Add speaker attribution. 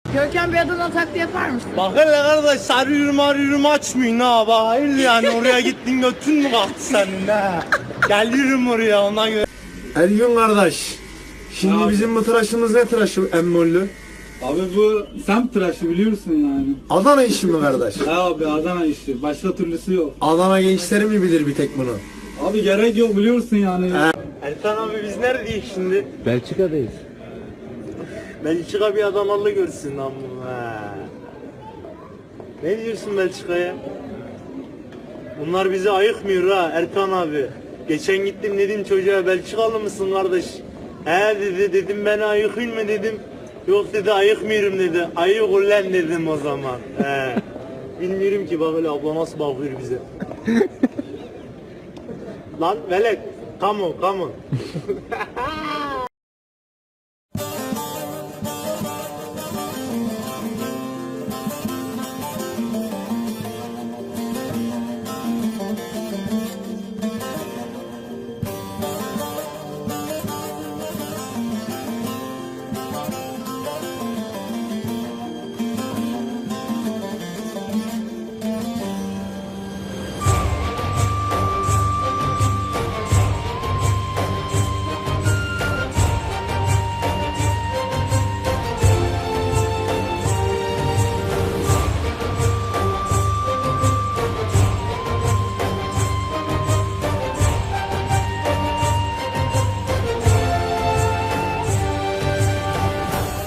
Speaker 1: Görkem bir Adana taklidi yapar mısın?
Speaker 2: Bak hele kardeş sarıyorum arıyorum açmıyorsun ha bak hayır yani oraya gittin götün mü kalktı senin ha? Geliyorum oraya ondan göre.
Speaker 3: Ergün kardeş. Şimdi bizim bu tıraşımız ne tıraşı emmollü?
Speaker 4: Abi bu semt tıraşı biliyorsun yani.
Speaker 3: Adana işi mi kardeş?
Speaker 4: Ha abi Adana işi. Başka türlüsü yok.
Speaker 3: Adana gençleri mi bilir bir tek bunu?
Speaker 4: Abi gerek yok biliyorsun yani.
Speaker 2: Ertan abi biz neredeyiz şimdi?
Speaker 5: Belçika'dayız.
Speaker 2: Belçika bir Adanalı görsün lan bunu ha. Ne diyorsun Belçika'ya? Bunlar bizi ayıkmıyor ha Ertan abi. Geçen gittim dedim çocuğa Belçikalı mısın kardeş? He dedi dedim beni ayıkayım mı dedim. Yok dedi ayıkmıyorum dedi. Ayık ulan dedim o zaman. He. Bilmiyorum ki bak öyle abla nasıl bakıyor bize. Lan velet. Come on come on.